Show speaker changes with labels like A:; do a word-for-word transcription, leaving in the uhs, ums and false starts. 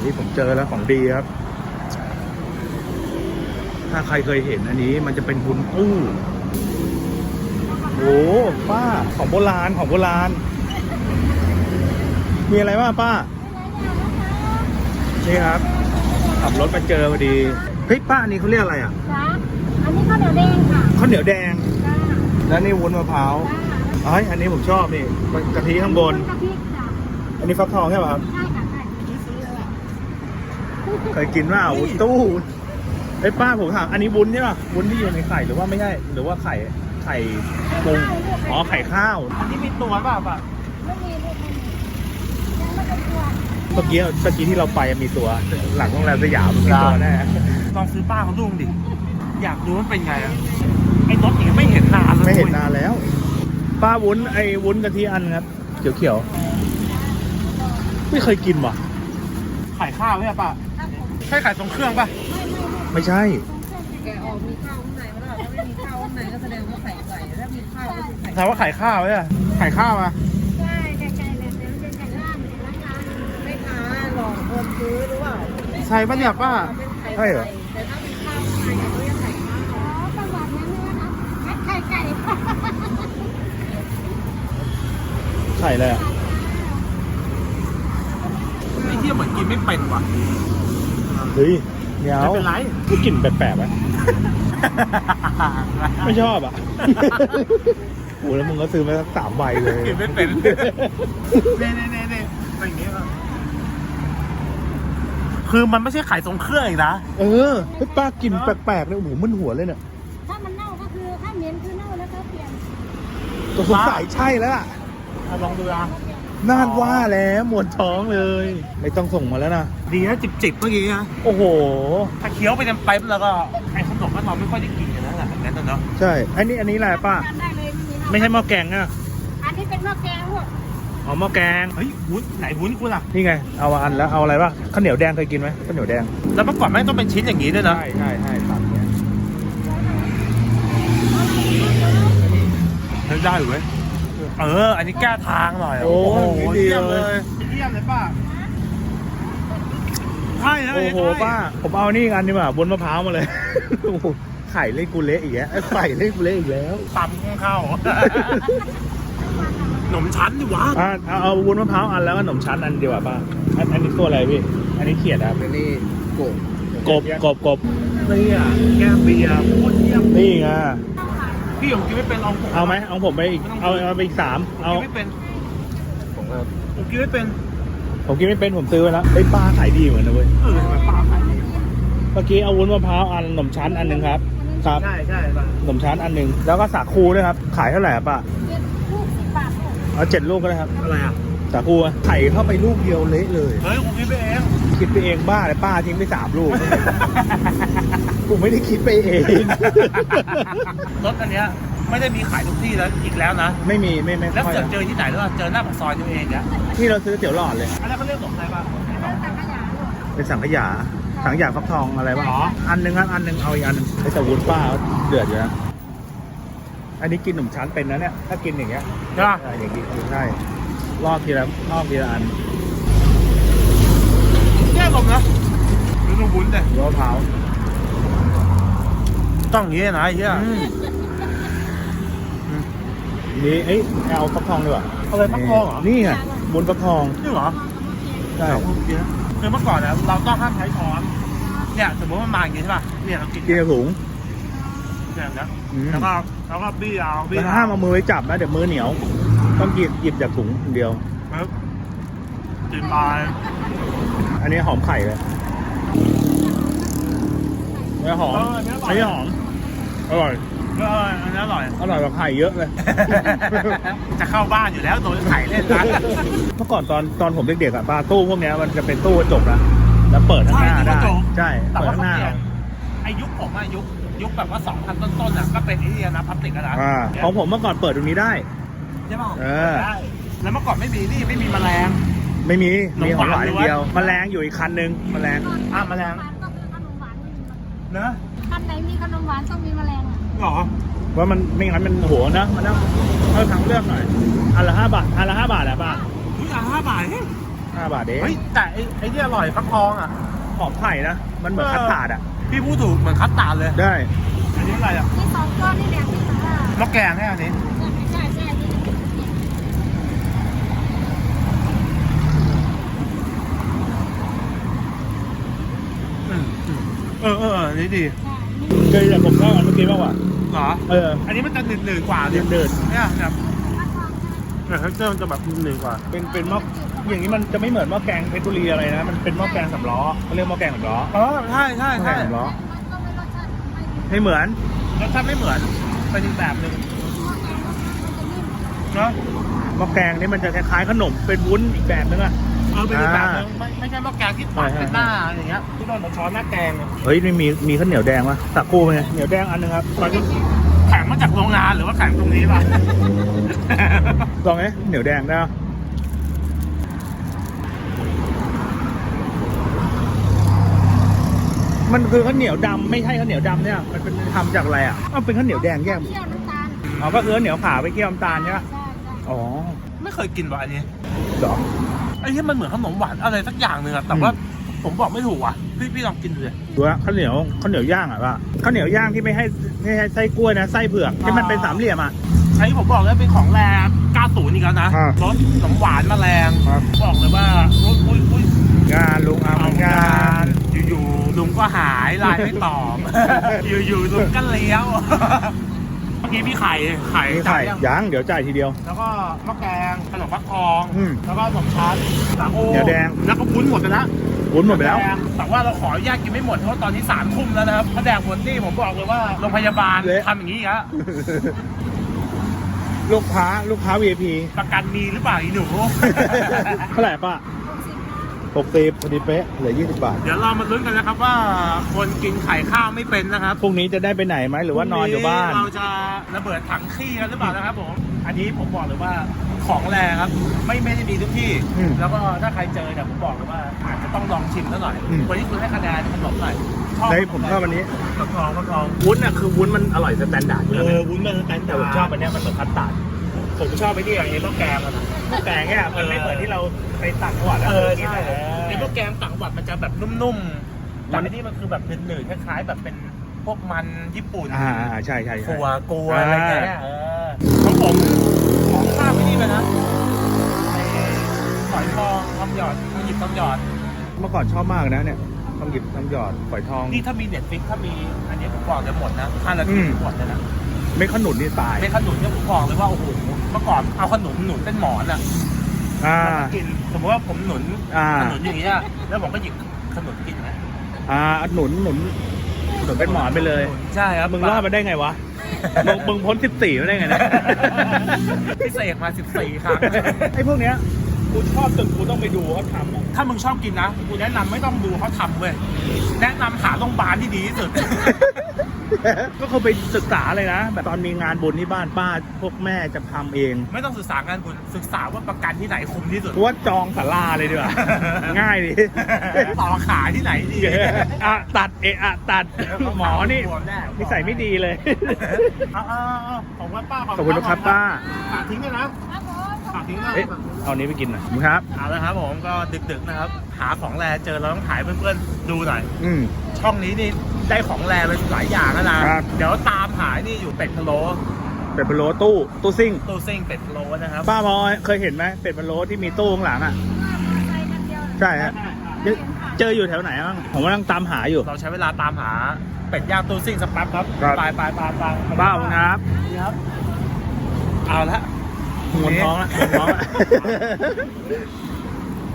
A: นี่ผมเจอแล้วของดีครับถ้าใครเคยเห็นอันนี้มันจะเป็นบุญอู้โอ้ป้าของโบราณของโบราณมีอะไรบ้างป้านี่ครับขับรถมาเจอพอดีเฮ้ยป้าอันนี้เขาเรียกอะไรอ่ะ
B: จ้าอันนี้ข้าวเหนียวแดงค่ะ
A: ข้าวเหนียวแดง
B: จ้า
A: แล้วนี่วุ้นมะพร้าวเอ้ยอันนี้ผมชอบนี่กะทิข้างบน
B: กะทิจ้ะ
A: อันนี้ฟักทองใช่ป่ะครับ
B: ใช่ค่ะใช่
A: เคยกินว่าวุ้นตู้ไอ้ป้าผมถามอันนี้วุ้นใช่ป่ะวุ้นที่อยู่ในไข่หรือว่าไม่ใช่หรือว่าไข่ไข่ปรุงอ๋อไข่ข้าวอันนี้มีตัวป่ะป่ะ
B: ไม่มีไม่มียังไม่เป็นตัว
A: เมื่อกี้เมื่อกี้ที่เราไปมีตัวหลังโรงแรมสยามมีตัวแน่
C: ลองซื้อป้าเขาดูดิอยากดูมันเป็นไงอ่ะไอ้รถอย่างไม่เห็นนานเลย
A: ไม่เห็นนานแล้วป้าวุ้นไอ้วุ้นกะทิอันครับเขียวๆไม่เคยกินว่ะ
C: ไข่ข้าวใช่ป่ะใช่ไข่ตรงเครื่องป่ะ
A: ไม่ใช่
B: แกออกมีข้าวข้างในไม่ได้ถ้าไม่มีข้าวข้างในก็แสดงว่าไข่ไก่ถ้ามีข้าวก็คือไข่
C: แปลว่าไข่ข้าวเนี่ยไข่ข้าวอ่ะ
B: ใช่ไก่ไก่เลยเดี๋ยวจะไก่ล่างนะคะไม่ค้าหลอกคนซื้อหรือเปล่า
C: ใช่ป่ะเนี่ยป้า
A: ใช่เหรอ
B: แต่ถ้ามีข้าวข้างในก็เรียกไข่ข้าวอ๋อประวัตินั้นนะคะไข่ไก่
A: ไข่เลยอ่ะ
C: ไอ้เหี้ยเหมือนกินไม่เป็นว่ะ
A: เฮ้ยเดี๋ยว
C: ไม่เป็นไร
A: กูกลิ่นแปลกๆไหมไม่ชอบอ่ะโอ้แล้วมึงก็ซื้อมาสักสามใบเลย
C: กินไม่เป็นเน่เน่เน่เน่เป็นอย่างนี้ป่ะคือมันไม่ใช่ไข่ทรงเครื่องอีกนะ
A: เออเฮ้ยป้ากินแปลกๆเลยโอ้โหมึนหัวเลยเนี่ย
B: ถ้ามันเน่าก็คือถ้าเหม็นคือเน่าแล้วก็เปลี่ยน
A: ตัวสงสัยใช่แล้วล่ะ
C: ลองดูนะ
A: น่านว่าแล้วมวนท้องเลยไม่ต้องส่งมาแล้วนะ
C: ดีนะจิบๆเมื่อกี้นะ
A: โอ้โห
C: ถ้าเคี้ยวไปเต็มไปแล้วก็ไอ้ขนมมันเราไม่ค่อยได้กินกันแล้วแหละงั้นเนาะ
A: ใช่อันนี้อันนี้อะไรป้าไม่ใช่หม้อแกงนะ
B: อันนี้เป็นหม้อแกงพวก
A: อ๋อหม้อแกง
C: เฮ้ยวุ้นไหนวุ้นคุณล่ะ
A: นี่ไงเอาอันแล้วเอาอะไรบ้างข้าวเหนียวแดงเคยกินไหมข้าวเหนียวแดง
C: แล้วเมื่อก่อนแม่งต้องเป็นชิ้นอย่างนี้ด้วยนะ
A: ใช่ใช่ใช่ตัดเนี้ย
C: ได้หรือเว้ยเอออันนี้แก้ทางหน่อย
A: โอ้โห
C: เยี่ยมเลยเยี่ยมเลยป้าใช่
A: โอ้โหป้าผมเอานี่กันดีกว่าบนมะพร้าวมาเลยไข่เล่กูเละอีกแล้วไข่เล่กูเละอีกแล้ว
C: ตำข้าวขนมชั้นดิวะ
A: อ่าเอาเอาวุ้นมะพร้าวอันแล้วก็ขนมชั้นอันดีกว่าป้าอันอันนี้ตัวอะไรพี่อันนี้เขียดครับ
C: อันนี้กบ
A: กบกบกบ
C: นี่อ่ะแก้มเบียร์โคตรเยี่ยม
A: นี่ไง
C: พี่ผมกินไม่เป็นลองผม
A: เอาไหมเอาผมไปอีกเอาเอาไปอีกสามเอา
C: ไม่เป็นผมผมกินไม่เป็น
A: ผมกินไม่เป็นผมซื้อไว้แล้วไอ้ป้าขายดีเหมือนนะเว้ย
C: เออทำไมป้าขายดี
A: เมื่อกี้เอาวุ้นมะพร้าวอันขนมชั้นอันหนึ่งครับครับ
C: ใช่ใช่ป้า
A: ขนมชั้นอันหนึ่งแล้วก็สาคูด้วยครับขายเท่าไหร่ป้า
B: ลูกสิบบาท
A: เอาเจ็ดลูกก็ได้ครับ
C: อะไรอ่ะ
A: สาคูไข่เข้าไปลูกเดียวเละเลย
C: เฮ้ยผมคิดไปเอง
A: คิดไปเองบ้าเลยป้าทิ้งไปสามลูกกูไม่ได้คิดไปเอง
C: รถอันเนี้ยไม่ได้มีขายทุกที่แล้วอีกแล้วนะ
A: ไม่มีไม่ไม่
C: แล้วเจอเจอที่ไหนแล้วเจอหน้าปากซอยตัวเองเนี่ย
A: ที่เราซื้อเตี๋ยวหลอดเลย
C: อันนั้นเขาเรียกขนมอะไรบ้าง
A: เป็นสังขยาสังขยาฟักทองอะไรบ้างอันนึงอันนึงเอาอีกอันนึงแต่วุ้นป้าเดือดอยู่นะอันนี้กินขนมชั้นเป็นนะเนี่ยถ้ากินอย่างเงี้ย
C: ใช่ป่ะ
A: อย่างนี้ใช่รอบทีละรอบทีละอัน
C: แย่ลงนะดูดูวุ้นเลย
A: มะพร้าว
C: ต้องอย่างนี้นะไอ้เหี้ย
A: นี่เอ้ยเอาฟักทองดีกว่า
C: อะไรฟักทองเหรอ
A: นี่ไงบนฟักทอง
C: นี่เหรอ
A: ใช่
C: คือเมื่อก่อนนะเราต้องห้ามใช้ช้อนเนี่ยสมมติมันมาอย่างนี้ใช่ป่ะเนี่ยเรากิน
A: กินถุง
C: เนี่ยนะแล้วก็แล้วก็บี้เอาบี้
A: ห้ามเอามือไว้จับนะเดี๋ยวมือเหนียวต้องหยิบหยิบจากถุงเดียว
C: ครับกินไป
A: อันนี้หอมไข่เลยไม่หอมไม่หอมอร่อย
C: ก็อันนี้อร่อย
A: อร่อยกว่าไข่เยอะเลย
C: จะเข้าบ้านอยู่แล้วโดนไข่เล่นนะ
A: เมื่อก่อนตอนตอนผมเด็กๆอ่ะป้าตู้พวกนี้มันจะเป็นตู้กระจกนะแล้วเปิดข้างหน้าได้ใช่เปิดข้างหน้า
C: ไอ้ยุคผมอะยุคยุคแบบว่าสองพันต้นๆอ่ะก็เป็นไอ้นี่นะพลาสติกนะ
A: ของผมเมื่อก่อนเปิดตรงนี้ได้
C: ใช่ป่ะเออแล้วเมื่อก่อนไม่มีนี่ไม่มีแมลง
A: ไม่มีมีของหวานอย่างเดียวแมลงอยู่อีกคันนึงแมลง
C: อ่ะแมลงเนอะ
B: คันไหนมีขนมหวานต้องมีแมลง
C: หรอ
A: ว่ามันไม่งั้นมันโหนะมันต้องเอาทางเลือกหน่อยอันละห้าบาทอันละห้าบาทแหละป้า
C: อันละห้าบาท
A: ห้าบาทเอง
C: เฮ้ยแต่ไอ้ไอ้ที่อร่อยฟักทองอ่ะ
A: หอมไข่นะ มันเหมือน
C: เออ
A: คัสตาร์ดอ่ะ
C: พี่พูดถูกเหมือนคัสตาร์ดเลย
A: ได้
C: อันนี้อะไรอ่ะ
B: ที่สองก้อนนี่แหละที่สองอ่ะ
C: มะแกงแค่อันนี้
B: ใช่ใช่ที่
C: อืมอืมเออเออเอออันนี้ดี
A: เคยแต่ผมชอบอันเมื่อกี้มากกว่า
C: เหรอ
A: เออ
C: อันนี้มันจะหนืดๆกว่า
A: เดินเดิน
C: เนี่ยแบบเนี่ยเท็กเจอร์มันจะแบบหนืดๆกว่า
A: เป็นเป็นหม้ออย่างนี้มันจะไม่เหมือนหม้อแกงเพชรบุรีอะไรนะ มันเป็นหม้อแกงสำล้อเขาเรียกหม้อแกงสำล้อ
C: อ๋อใช่ใช่
A: หม้อแก
C: ใช่
A: งสำล้อ
B: มันก็ไม่รสชาติไม่ดี
A: ไม่เหมือน
C: รสชาติไม่เหมือนเป็นอีกแบบหนึ่งเนาะ
A: หม้อแกงนี่มันจะคล้ายๆขนมเป็นวุ้นอีกแบบนึงอ่ะ
C: เออเป็นอีกแบบหนึงไม่ไม่ใช่หม้อแกงที่ตัดเป็นหน้าอย่างเงี้ยที่โดนช้อนหน้าแกงอะ
A: เฮ้ยนี่มีมีข้าวเหนียวแดงวะสักคู่ไหมเหนียวแดงอันนึงครับ
C: ตอนนี้แข็งมาจากโรงงานหรือว่าแข็งตรงนี้ป่ะ
A: ลองไหมเหนียวแดงได้ปะมันคือข้าวเหนียวดำไม่ใช่ข้าวเหนียวดำเนี่ย มันเป็นทำจากอะไรอ่ะอ้าวเป็นข้าวเหนียวแดงแยก
B: เคี่ยวน้ำตาล
A: อ๋อก็คือข้าวเหนียวขาวไปเคี่ยวน้ำตาลใช่ปะ
B: ใช่ใช่
A: อ๋อ
C: ไม่เคยกินว่ะอันนี้
A: เหรอ
C: ไอ้ที่มันเหมือนขนมหวานอะไรสักอย่างหนึ่งอะแต่ว่าผมบอกไม่ถูกว่ะพี่พี่ลองกินดูเลย
A: ดูว่าข้าวเหนียวข้าวเหนียวย่างอ่ะป่ะข้าวเหนียวย่างที่ไม่ให้ไม่ให้ไส้กล้วยนะไส้เผือกที่มันเป็นสามเหลี่ยมอ่ะ
C: ไอ้ที่ผมบอกเลยเป็นของแรงเก้าสิบอีกแล้วนะ
A: อ่าร
C: สขนมหวานมาแรง
A: ครับ
C: บอกเลยว่าอุ้ยอุ้ยอุ้ย
A: งานลุงอาเหมือนกัน
C: อยู่ๆลุงก็หายไลน์ไม่ตอบ อยู่ๆลุงก็เลี้ยว เมื่อกี้พี่ไข่ไข่
A: มีไข่
C: จ่ายยัง
A: ยังเดี๋ยวจ่ายทีเดียว
C: แล้วก็มะแกงขนมฟักทอง
A: อืม
C: แล้วก็ขนมชั้นสาโอ
A: เดี๋ยวแดง
C: แล้วก็วุ้นหมดไปแล้ว
A: วุ้นหมดไปแล้ว
C: ดงแต่ว่าเราขออนุญาตกินไม่หมดเพราะว่าตอนนี้สามทุ่มแล้วนะครับถ้าแดงหมดนี่ผมบอกเลยว่าโรงพยาบาล
A: เละ
C: ทำอย่างนี้อีกแล้ว
A: ลูกค้าลูกค้า วี ไอ พี
C: ประกันมีหรือเปล่าอีหนู
A: เท่าไหร่ป้า
B: หกสิบ
A: หกสิบพอดีเป๊ะเหลือยี่สิบบาท
C: เดี๋ยวเรามาลุ้นกันนะครับว่าคนกินไข่ข้าวไม่เป็นนะครับ
A: พรุ่งนี้จะได้ไปไหนไหมหรือว่านอนอยู่บ้าน
C: เราจะระเบิดถังขี้กันหรือเปล่านะครับผมอันนี้ผมบอกเลยว่าของแรงครับไม่ไม่ได้มีทุกที่
A: อืม
C: แล้วก็ถ้าใครเจอเนี่ยผมบอกเลยว่าอาจจะต้องลองชิมซะหน่อย
A: อืม
C: วันนี้คุณให้คะแนนขนมหน่อยชอบ
A: ได้ผมชอบอันนี้
C: ฟักทองฟักทอง
A: วุ้นอ่ะคือวุ้นมันอร่อยสแตนดาร์ดอยู่
C: เอ
A: แล้ว
C: อวุ้นมันแต่
A: แต่ผมชอบอันเนี้ยมันเหมือนคัสตาร์ด
C: ผมชอบไปที่อย่างนี้ต้องแกงมันนะ
A: แต่เนี่ยมันไม่เหมือนที่เราไปตักจังหวัดอะ
C: เออ
A: กิน
C: ใช่
A: แต่
C: ไอ้พวกแกงต่างจังหวัดมันจะแบบนุ่มๆแต่อันนี้มันคือแบบหนืดๆคล้ายๆ แบบเป็นพวกมันญี่ปุ่น
A: อ่าอ่าใช่ใช่ใช่
C: ถั่วกลัวอะไรเงี้ยเออของผมของข้าวไม่นี่ไปนะไอ้ฝอยทองทำหยอดทำหยิบทำหยอด
A: เมื่อก่อนชอบมากนะเนี่ยต้องหยิบต้องหยอดฝอยทอง
C: นี่ถ้ามีเน็ตฟิกถ้ามีอันนี้ผมบอกจะหมดนะห้านา
A: อื
C: ที
A: ม
C: หมดเลยนะ
A: ไม่ขนุนนี่ตาย
C: เป็นขนุนเนี่ยผมบอกเลยว่าโอ้โหเมื่อก่อนเอาขนุนหนุนเป็นหมอนอ่ะ
A: อ่า
C: กินสมมติว่าผมหนุน
A: อ่า
C: ขนุนอย่างเงี้ยแล้วผมก็หยิบขนุนกินนะ
A: อ่าหนุนหนุนหนุนเป็นหมอนไปเลย
C: ใช่ครับ
A: มึงรอดมาได้ไงวะ มึงมึงพ้นสิบสี่มาได้ไงเนี่ย
C: พี่เสกมาสิบสี่ครั้ง
A: ไอ้พวกเนี้ยกูชอบจนกูต้องไปดูเขาทำอะ
C: ถ้ามึงชอบกินนะกูแนะนำไม่ต้องดูเขาทำเว้ยแนะนำหาโรงพยาบาลที่ดีที่สุด
A: ก็เขาไปศึกษาเลยนะ แบบตอนมีงานบุญที่บ้านป้าพวกแม่จะทำเอง
C: ไม่ต้องศึกษางานบุญศึกษาว่าประกันที่ไหนคุ้มที่สุด
A: กูว่าจองศาลาเลยดีกว่า ง่ายดี
C: ต่อขาที่ไหนดี
A: อ่ะตัดเอะอะตัดหมอนี่
C: บวมแน่
A: นิสัยไม่ดีเลย
C: เอาเอาเอาของวัดป้า
A: ขอบคุณครับป้า
C: ฝากทิ้งด้วยนะ
B: ครับผม
C: ฝากทิ้งด้วย
A: เอ๊ะเอานี้ไปกินหน่อยครับ
C: เอาละครับผมก็ดึกๆนะครับ หาของแรเจอเราต้องถ่ายเพื่อนๆดูหน่อย
A: อืม
C: ช่องนี้นี่ได้ของแรไปหลายอย่างแล้วนะครับ เดี๋ยวตามหานี่อยู่เป็ดพะโล้
A: เป็ดพะโล้ตู้ตู้ซิ่ง
C: ตู้ซิ่งเป็ดพะโล้นะครับ
A: ป้ามอยเคยเห็นไหมเป็ดพะโล้ที่มีตู้ข้างหลังอ่ะ
B: ใส่กันเดียว
A: ใช่ฮะเจอเจออยู่แถวไหนบ้างผมกำลังตามหาอยู่
C: เราใช้เวลาตามหาเป็ดย่างตู้ซิ่งสักแป๊บครับ
A: ครับ
C: ไปไปไปไป
A: ป้าขอบคุณครับ
C: ครับ เอาละ
A: หมดท้องละหมดท้องละ